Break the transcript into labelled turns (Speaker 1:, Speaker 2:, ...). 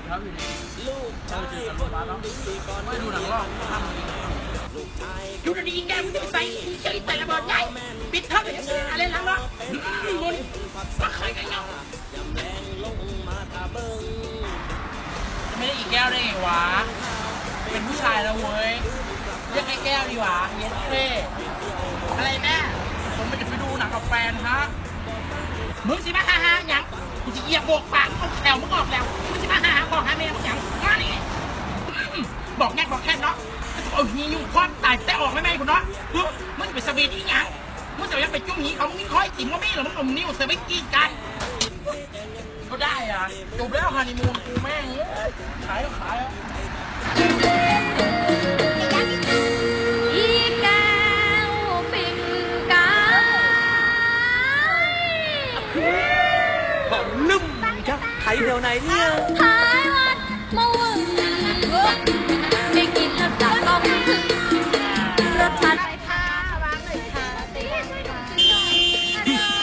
Speaker 1: ครับอยู่ดีเจอกันโรงพยาบาลเนาะไม่ดูหนังหรอกทำอยู่ดีๆแกมึงจะไปใส่แต่ระเบิดใหญ่ปิดเท่าไหร่อะไรหลังเนาะมึงมาใครกันเนาะไม่ได้อีกแก้วได้ไงวะเป็นผู้ชายแล้วเว้ยเรียกไอ้แก้วดีกว่าเย็นเท่อะไรแม่ผมมันจะไปดูหนังกับแฟนฮะมึงสิมาฮ่าๆยังมึงจะเหยียบโบกปากมึงแถวมึงออกแล้วมึงสิมาฮ่าๆบอกหาแม่มึงยังมานี่บอกแง่บอกแค่เนาะเอาหียุ่งควันตายแต่ออกไม่แม่คุณเนาะมึงจะไปสวีทอีกยังมึงจะยังไปจุ้งหีเขามึงมีคอยติ่มก็ไม่หรอมึงเอานิ้วเซเว่นกี้กันก็ได้อ่ะจบแล้วฮันนีมูนกูแม่งขายก็ขายอ่ะ
Speaker 2: อีแก้วปิ่งกาย
Speaker 3: หอมนุ่มจ้ะไทยเดียวไหนเนี่ย
Speaker 2: ท้ายวัดมะวึงได้กินแล้วจะต้องถึงรสชาติค่ะวางเลยค่ะ